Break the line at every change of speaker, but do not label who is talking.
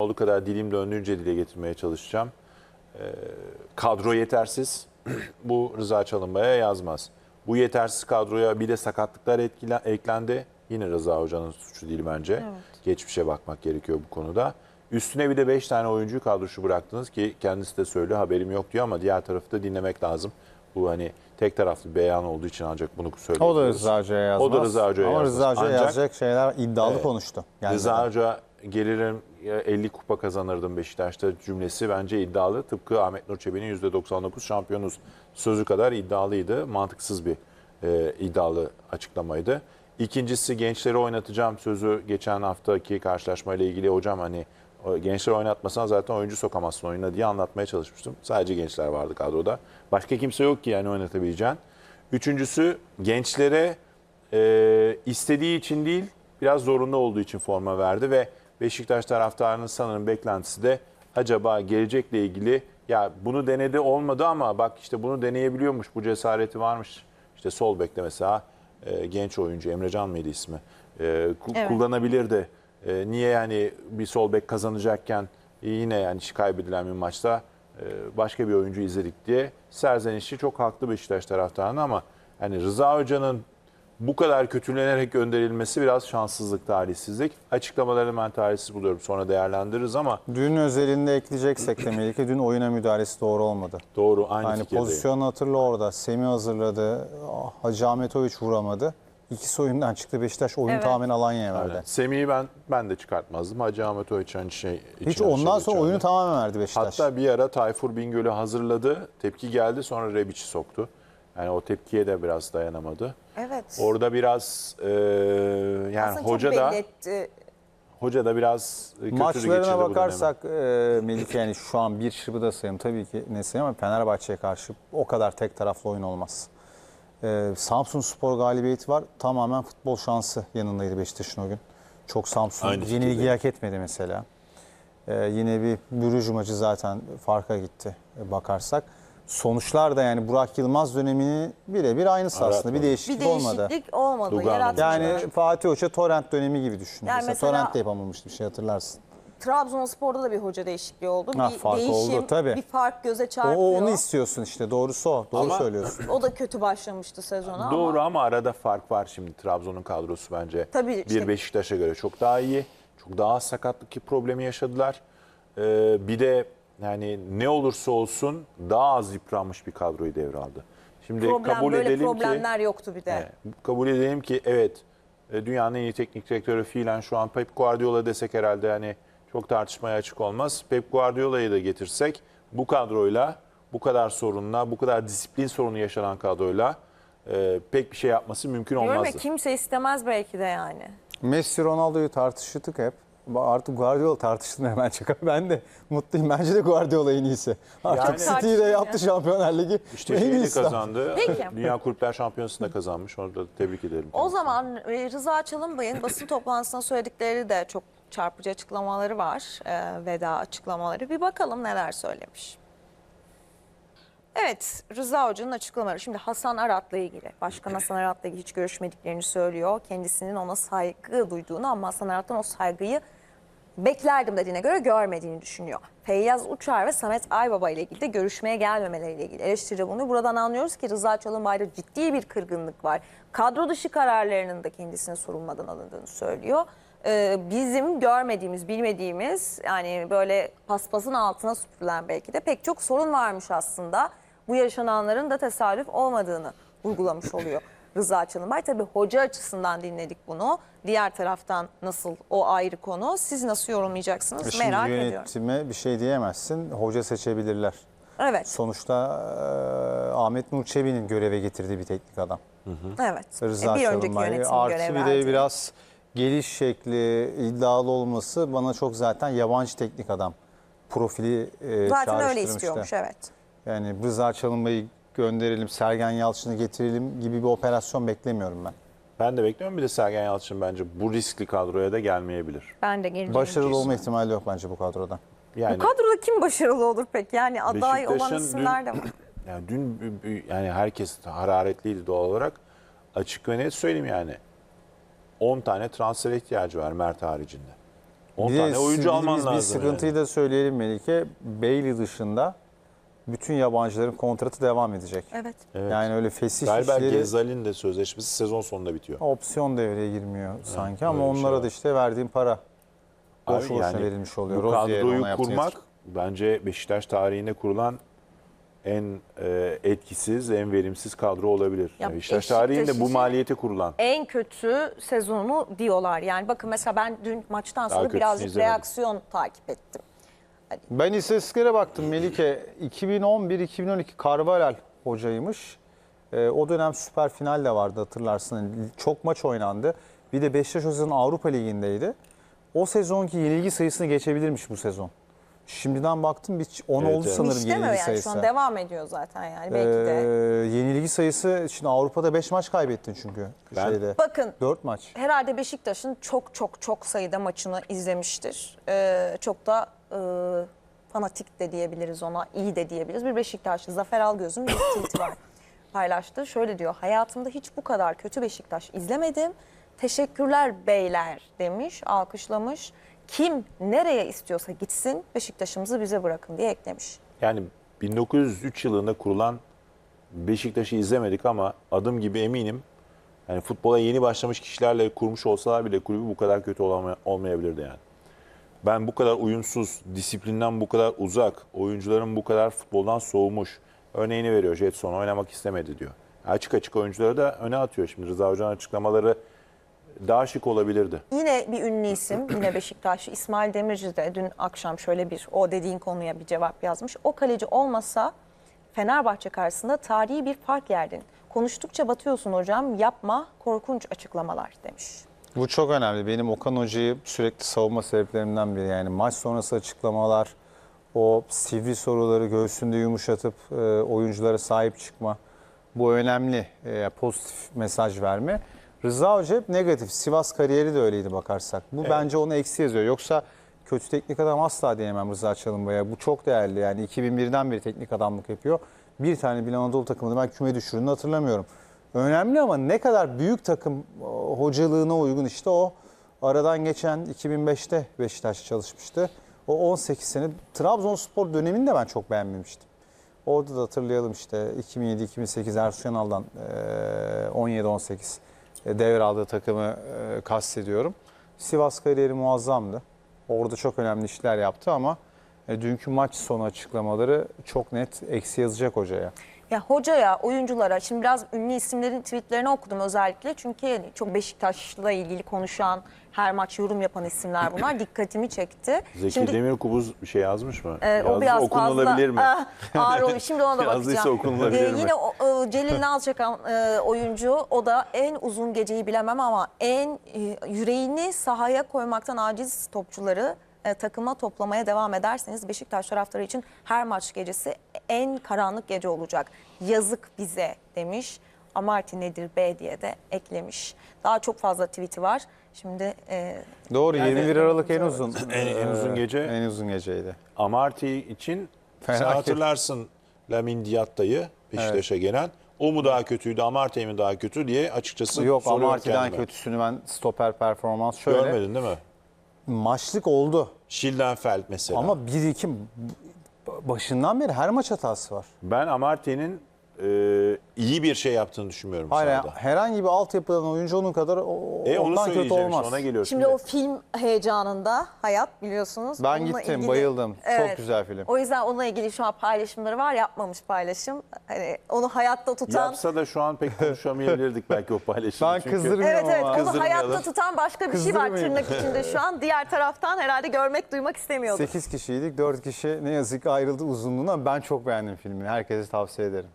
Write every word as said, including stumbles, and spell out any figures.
olduğu kadar dilim döndüğünce dile getirmeye çalışacağım. Ee, kadro yetersiz. Bu Rıza Çalınbay'a yazmaz. Bu yetersiz kadroya bir de sakatlıklar etkile, eklendi. Yine Rıza Hoca'nın suçu değil bence.
Evet.
Geçmişe bakmak gerekiyor bu konuda. Üstüne bir de beş tane oyuncuyu kadroşu bıraktınız ki kendisi de söylüyor, haberim yok diyor ama diğer tarafı da dinlemek lazım. Bu hani tek taraflı bir beyan olduğu için ancak bunu söylüyoruz.
O da Rıza Hoca'ya yazmaz.
O da Rıza Hoca'ya
Ama
yazmaz.
Rıza Hoca'ya
Ancak-
yazacak şeyler iddialı
Evet.
konuştu.
Rıza Hoca gelirim elli kupa kazanırdım Beşiktaş'ta cümlesi bence iddialı. Tıpkı Ahmet Nur Çebi'nin yüzde doksan dokuz şampiyonuz sözü kadar iddialıydı. Mantıksız bir e, iddialı açıklamaydı. İkincisi gençleri oynatacağım sözü geçen haftaki karşılaşmayla ilgili hocam hani o gençleri oynatmasan zaten oyuncu sokamazsın oyuna diye anlatmaya çalışmıştım. Sadece gençler vardı kadroda. Başka kimse yok ki yani oynatabileceğin. Üçüncüsü gençlere e, istediği için değil biraz zorunda olduğu için forma verdi ve Beşiktaş taraftarının sanırım beklentisi de acaba gelecekle ilgili ya bunu denedi olmadı ama bak işte bunu deneyebiliyormuş, bu cesareti varmış. İşte sol bekte mesela e, genç oyuncu Emrecan mıydı ismi? E, ku-
Evet.
Kullanabilirdi. E, niye yani bir sol bek kazanacakken yine yani kaybedilen bir maçta e, başka bir oyuncu izledik diye serzenişi çok haklı Beşiktaş taraftarının ama yani Rıza Hoca'nın bu kadar kötülenerek gönderilmesi biraz şanssızlık, talihsizlik. Açıklamalarını ben talihsiz buluyorum. Sonra değerlendiririz ama
Dün özelinde ekleyeceksek de Melike, dün oyuna müdahalesi doğru olmadı.
doğru aynı
Yani
fikirdeyim.
pozisyonu hatırla orada. Semih hazırladı. Hacı Ahmetoviç vuramadı. İkisi oyundan çıktı. Beşiktaş oyunu
Evet.
tamamen Alanya'ya verdi.
Aynen. Semih'i ben ben de çıkartmazdım. Hacı Ahmet Oğuz hani şey
Hiç
içine
ondan
şey
sonra oyunu
geçerdi.
tamamen verdi Beşiktaş.
Hatta bir ara Tayfur Bingöl'ü hazırladı. Tepki geldi sonra Rebic'i soktu. Yani o tepkiye de biraz dayanamadı.
Evet.
Orada biraz e, yani
Aslında
hoca
çok
da
belli etti.
hoca da biraz kötü geçirdi
Maçlarına
bu
bakarsak e, Melike, yani şu an bir şıbı da sayayım tabii ki ne sayayım ama Fenerbahçe'ye karşı o kadar tek taraflı oyun olmaz. E, Samsunspor galibiyeti var. Tamamen futbol şansı yanındaydı Beşiktaş'ın o gün. Çok Samsun
Aynı
yenilgiyi
fikirdeyim.
hak etmedi mesela. E, yine bir Brüj maçı zaten farka gitti e, bakarsak. Sonuçlar da yani Burak Yılmaz dönemini birebir aynısı aslında.
Aratmadı.
Bir
Bir
değişiklik olmadı.
değişiklik olmadı.
Lugano
yaratmadı.
Yani Fatih Hoca Torrent dönemi gibi düşün.
Yani
mesela,
mesela-
Torrent de yapamamıştı bir şey hatırlarsın.
Trabzonspor'da da bir hoca değişikliği oldu.
Ha,
bir
fark
değişim,
oldu, tabii.
bir fark göze
O,
çarpıyor.
onu istiyorsun işte, doğrusu o. Doğru
Ama-
söylüyorsun.
O da kötü başlamıştı sezona
Doğru
ama.
ama arada fark var şimdi. Trabzon'un kadrosu bence
Tabii
bir
işte-
Beşiktaş'a göre çok daha iyi. Çok daha az sakatlık ki problemi yaşadılar. Ee, bir de yani ne olursa olsun daha az yıpranmış bir kadroyu devraldı. Şimdi
Problem,
kabul
böyle
edelim ki
problemler yoktu bir de.
Evet, kabul edelim ki evet e, dünyanın en iyi teknik direktörü fiilen şu an Pep Guardiola desek herhalde yani çok tartışmaya açık olmaz. Pep Guardiola'yı da getirsek bu kadroyla, bu kadar sorunla, bu kadar disiplin sorunu yaşanan kadroyla e, pek bir şey yapması mümkün
Diyorum ya,
olmazdı.
kimse istemez belki de yani.
Messi Ronaldo'yu tartıştık hep. Artık Guardiola tartıştığını hemen çıkar. Ben de mutluyum. Bence de Guardiola en iyisi. Artık
Yani-
City'yi de
Tartışılıyor.
yaptı Şampiyonlar Ligi.
İşte
En
şeyi de
iyisi.
kazandı.
Peki.
Dünya Kulüpler Şampiyonası'nı da kazanmış. Onu da tebrik edelim.
O zaman e, Rıza Çalınbay'ın basın toplantısında söyledikleri de çok çarpıcı açıklamaları var. E, veda açıklamaları. Bir bakalım neler söylemiş. Evet, Rıza Hoca'nın açıklamaları. Şimdi Hasan Arat'la ilgili, Başkan Hasan Arat'la ilgili hiç görüşmediklerini söylüyor. Kendisinin ona saygı duyduğunu ama Hasan Arat'tan o saygıyı beklerdim dediğine göre görmediğini düşünüyor. Feyyaz Uçar ve Samet Aybaba ile ilgili de görüşmeye gelmemeleriyle ilgili eleştiri bulunuyor. Buradan anlıyoruz ki Rıza Çalınbay'da ciddi bir kırgınlık var. Kadro dışı kararlarının da kendisine sorulmadan alındığını söylüyor. Ee, bizim görmediğimiz, bilmediğimiz, yani böyle paspasın altına süpürülen belki de pek çok sorun varmış aslında. Bu yaşananların da tesadüf olmadığını vurgulamış oluyor Rıza Çalınbay. Tabii hoca açısından dinledik bunu. Diğer taraftan nasıl, o ayrı konu. Siz nasıl yorumlayacaksınız
Şimdi
merak ediyorum.
yönetime bir şey diyemezsin. Hoca seçebilirler.
Evet,
Sonuçta e, Ahmet Nur Çebi'nin göreve getirdiği bir teknik adam.
evet.
Rıza
E, bir önceki
Çalınbay.
yönetim
Artı
görev
bir
verdi.
de biraz geliş şekli iddialı olması bana çok zaten yabancı teknik adam profili e,
Zaten öyle
çağrıştırmıştı.
istiyormuş, evet.
Yani Rıza Çalınbay'ı gönderelim, Sergen Yalçın'ı getirelim gibi bir operasyon beklemiyorum ben.
Ben de bekliyorum. Bir de Sergen Yalçın bence bu riskli kadroya da gelmeyebilir.
Ben de geleceğim.
Başarılı olma ihtimali yok bence bu kadroda.
Yani
Bu kadroda kim başarılı olur peki? Yani aday olan
Beşiktaş'ın
isimler de
dün-
var.
Yani dün yani herkes hararetliydi doğal olarak. Açık ve net söyleyeyim yani. on tane transfer ihtiyacı var Mert haricinde. on
Bir de
tane oyuncu alman
biz bir
lazım.
sıkıntıyı
yani.
da söyleyelim Melike. Bailey dışında bütün yabancıların kontratı devam edecek.
Evet.
Evet.
Yani öyle fesih
Galiba
işleri
Gezal'in de sözleşmesi sezon sonunda bitiyor.
opsiyon devreye girmiyor sanki ama
öyle bir şey
onlara
var.
da işte verdiğin para boş
Abi
boşuna
yani
verilmiş oluyor.
Bu
Rozier'in
kadroyu
ona yaptığı
kurmak
yatırım.
bence Beşiktaş tarihinde kurulan en e, etkisiz, en verimsiz kadro olabilir.
Ya
Yani Beşiktaş
Beşiktaş
tarihinde bu
için-
maliyeti kurulan.
En kötü sezonu diyorlar. Yani bakın mesela ben dün maçtan sonra
kötüsünü
birazcık
izlemedim.
reaksiyon takip ettim.
Ben istatistiklere baktım Melike. iki bin on bir iki bin on iki Carvalhal hocaymış. Ee, o dönem süper final de vardı hatırlarsın. Yani çok maç oynandı. Bir de Beşiktaş o sezon Avrupa Ligi'ndeydi. O sezonki yenilgi sayısını geçebilirmiş bu sezon. Şimdiden baktım bir on
Evet,
oldu
evet.
sanırım
Hiç demiyor
yenilgi
yani
sayısı.
şu an devam ediyor zaten yani
Ee,
belki de.
yenilgi sayısı şimdi Avrupa'da beş maç kaybettin çünkü
Ben-
şeyde.
Bakın
dört maç.
herhalde Beşiktaş'ın çok çok çok sayıda maçını izlemiştir. Ee, çok da e, fanatik de diyebiliriz ona, iyi de diyebiliriz. Bir Beşiktaşlı Zafer Algöz'ün bir tweet'i var. Paylaştı. Şöyle diyor, hayatımda hiç bu kadar kötü Beşiktaş izlemedim. Teşekkürler beyler demiş, alkışlamış. Kim nereye istiyorsa gitsin, Beşiktaş'ımızı bize bırakın diye eklemiş.
Yani bin dokuz yüz üç yılında kurulan Beşiktaş'ı izlemedik ama adım gibi eminim. Yani futbola yeni başlamış kişilerle kurmuş olsalar bile kulübü bu kadar kötü olama- olmayabilirdi yani. Ben bu kadar uyumsuz, disiplinden bu kadar uzak, oyuncuların bu kadar futboldan soğumuş örneğini veriyor. Jetson oynamak istemedi diyor. Açık açık oyuncuları da öne atıyor. Şimdi Rıza Hoca'nın açıklamaları daha şık olabilirdi.
Yine bir ünlü isim, yine Beşiktaşlı İsmail Demirci de dün akşam şöyle bir o dediğin konuya bir cevap yazmış. O kaleci olmasa Fenerbahçe karşısında tarihi bir fark yerdin. Konuştukça batıyorsun hocam, yapma korkunç açıklamalar demiş.
Bu çok önemli. Benim Okan Hoca'yı sürekli savunma sebeplerimden biri. Yani maç sonrası açıklamalar, o sivri soruları göğsünde yumuşatıp e, oyunculara sahip çıkma. Bu önemli. E, pozitif mesaj verme. Rıza Hoca hep negatif. Sivas kariyeri de öyleydi bakarsak. Bu bence onu eksi yazıyor. Yoksa kötü teknik adam asla diyemem Rıza Çalınbay'a. Bu çok değerli. Yani iki bin birden beri teknik adamlık yapıyor. Bir tane bile Anadolu takımında ben küme düşürüldüğünü hatırlamıyorum. Önemli ama ne kadar büyük takım o, hocalığına uygun işte o aradan geçen iki bin beşte Beşiktaş çalışmıştı. O on sekiz sene Trabzonspor dönemini de ben çok beğenmemiştim. Orada da hatırlayalım işte iki bin yedi iki bin sekiz Ersun Yanal'dan on yedi on sekiz devraldığı takımı e, kastediyorum. Sivas kariyeri muazzamdı. Orada çok önemli işler yaptı ama e, dünkü maç sonu açıklamaları çok net eksi yazacak hocaya.
Ya hocaya, oyunculara, şimdi biraz ünlü isimlerin tweetlerini okudum özellikle. Çünkü çok Beşiktaş'la ilgili konuşan, her maç yorum yapan isimler bunlar. Dikkatimi çekti.
Zeki
Şimdi,
Demirkubuz bir şey yazmış mı?
e,
Yazdı,
o biraz
okunulabilir
fazla
mi?
ah, ağır oluyor. Şimdi ona da
Yazdıysa
bakacağım.
okunulabilir mi?
Yine o, e, Celil Nalçakan e, oyuncu, o da en uzun geceyi bilemem ama en e, yüreğini sahaya koymaktan aciz topçuları e, takıma toplamaya devam ederseniz Beşiktaş taraftarı için her maç gecesi en karanlık gece olacak. Yazık bize demiş. Amarty nedir be diye de eklemiş. Daha çok fazla tweet'i var. Şimdi e,
Doğru
Yani-
yirmi bir Aralık en uzun
En- en uzun gece.
en uzun geceydi.
Amarty için sen
Felaket.
hatırlarsın Lamin Diatta'yı Beşiktaş'a gelen. O mu daha kötüydü, Amarty mi daha kötü diye açıkçası
Yok
soruyorum
Amarty'den
kendime.
kötüsünü ben stoper performans şöyle
Görmedin değil mi?
maçlık oldu
Schildenfeld mesela.
ama bir iki başından beri her maç hatası var.
Ben Amarty'nin e, iyi bir şey yaptığını düşünmüyorum
Hayır
sahada.
herhangi bir altyapıdan oyuncu onun kadar o,
E onu
ondan kötü
söyleyeceğim
olmaz.
işte, ona geliyor
şimdi o film heyecanında hayat biliyorsunuz.
Ben
Onunla
gittim,
ilgili-
bayıldım. Çok
Evet.
güzel film.
O yüzden onunla ilgili şu an paylaşımları var, yapmamış paylaşım. Hani onu hayatta tutan.
Yapsa da şu an pek konuşamayabilirdik belki o paylaşımı.
Ben
Çünkü
kızdırmıyorum
Evet evet
ama.
onu
Kızdırmayalım.
hayatta tutan başka bir şey var
Kızdırmayın.
tırnak içinde şu an. Diğer taraftan herhalde görmek, duymak istemiyordur.
sekiz kişiydik. dört kişi ne yazık ki ayrıldı uzunluğuna. Ben çok beğendim filmi. Herkese tavsiye ederim.